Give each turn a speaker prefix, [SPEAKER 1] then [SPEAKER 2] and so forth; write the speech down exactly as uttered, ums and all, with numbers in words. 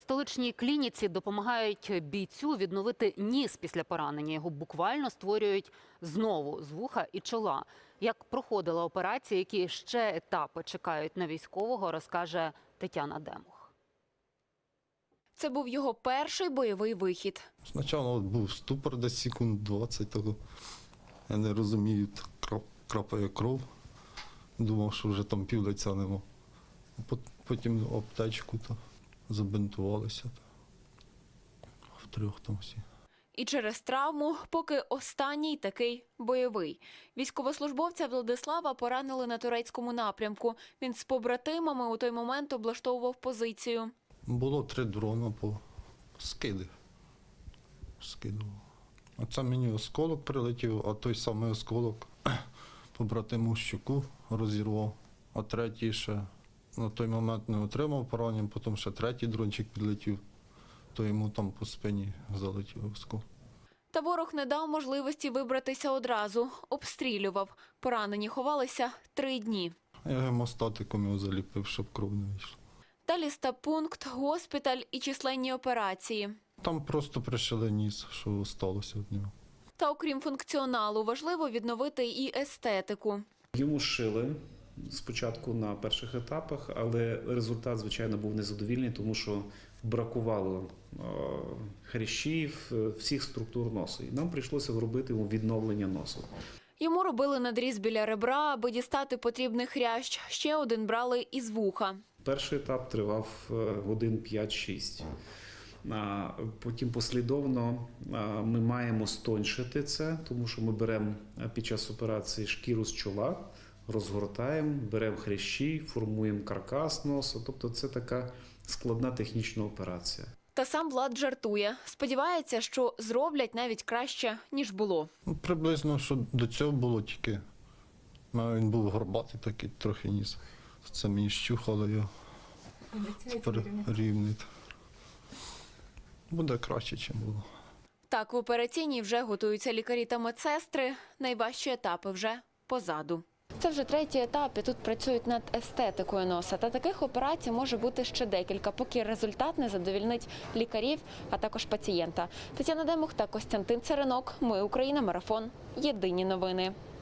[SPEAKER 1] столичній клініці допомагають бійцю відновити ніс після поранення. Його буквально створюють знову з вуха і чола. Як проходила операція, які ще етапи чекають на військового, розкаже Тетяна Демух.
[SPEAKER 2] Це був його перший бойовий вихід.
[SPEAKER 3] Спочатку був ступор десь секунд двадцять того. Я не розумію, крапає кров. Думав, що вже там півлиця нема. Потім аптечку то забинтувалися. Втрьох там всі.
[SPEAKER 2] І через травму, поки останній такий бойовий. Військовослужбовця Владислава поранили на турецькому напрямку. Він з побратимами у той момент облаштовував позицію.
[SPEAKER 3] Було три дрона по скиди. Скидував. А це мені осколок прилетів, а той самий осколок побратиму щуку розірвав. А третій ще на той момент не отримав поранення, потім ще третій дрончик підлетів, то йому там по спині залетів осколок.
[SPEAKER 2] Та ворог не дав можливості вибратися одразу. Обстрілював. Поранені ховалися три дні.
[SPEAKER 3] Я гемостатиком його заліпив, щоб кров не вийшла.
[SPEAKER 2] Далі стаб-пункт, госпіталь і численні операції.
[SPEAKER 3] Там просто пришили ніс, що сталося від нього.
[SPEAKER 2] Та окрім функціоналу, важливо відновити і естетику.
[SPEAKER 4] Йому шили спочатку на перших етапах, але результат, звичайно, був незадовільний, тому що бракувало хрящів, всіх структур носу. І нам прийшлося робити йому відновлення носу.
[SPEAKER 2] Йому робили надріз біля ребра, аби дістати потрібний хрящ. Ще один брали із вуха.
[SPEAKER 4] Перший етап тривав годин п'ять-шість. Потім послідовно ми маємо стоншити це, тому що ми беремо під час операції шкіру з чола, розгортаємо, беремо хрящі, формуємо каркас носу. Тобто це така складна технічна операція.
[SPEAKER 2] Та сам Влад жартує. Сподівається, що зроблять навіть краще, ніж було.
[SPEAKER 3] Ну, приблизно, що до цього було тільки. Він був горбатий такий, трохи ніс. Це мені щухало його. Тепер рівний. Буде краще, ніж було.
[SPEAKER 2] Так, в операційній вже готуються лікарі та медсестри. Найважчі етапи вже позаду. Це вже третій етап, і тут працюють над естетикою носа. Та таких операцій може бути ще декілька, поки результат не задовільнить лікарів, а також пацієнта. Тетяна Демух та Костянтин Царинок. Ми Україна. Марафон. Єдині новини.